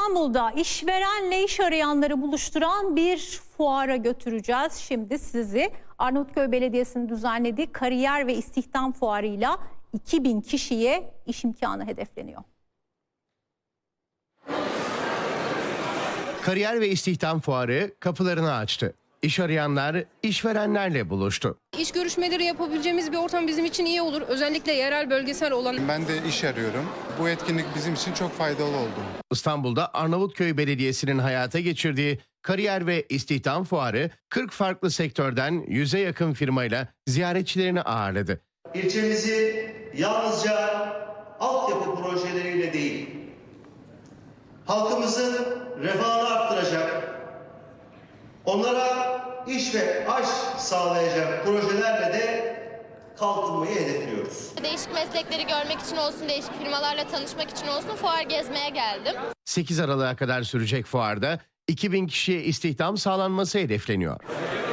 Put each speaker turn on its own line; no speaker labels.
İstanbul'da işverenle iş arayanları buluşturan bir fuara götüreceğiz. Şimdi sizi Arnavutköy Belediyesi'nin düzenlediği kariyer ve istihdam fuarıyla 2000 kişiye iş imkanı hedefleniyor.
Kariyer ve istihdam fuarı kapılarını açtı. İş arayanlar işverenlerle buluştu.
İş görüşmeleri yapabileceğimiz bir ortam bizim için iyi olur. Özellikle yerel bölgesel olan.
Ben de iş arıyorum. Bu etkinlik bizim için çok faydalı oldu.
İstanbul'da Arnavutköy Belediyesi'nin hayata geçirdiği kariyer ve istihdam fuarı 40 farklı sektörden 100'e yakın firmayla ziyaretçilerini ağırladı.
İlçemizi yalnızca altyapı projeleriyle değil, halkımızın refahını arttıracak, onlara iş ve aş sağlayacak projelerle de kalkınmayı hedefliyoruz.
Değişik meslekleri görmek için olsun, değişik firmalarla tanışmak için olsun fuar gezmeye geldim.
8 Aralık'a kadar sürecek fuarda 2000 kişiye istihdam sağlanması hedefleniyor.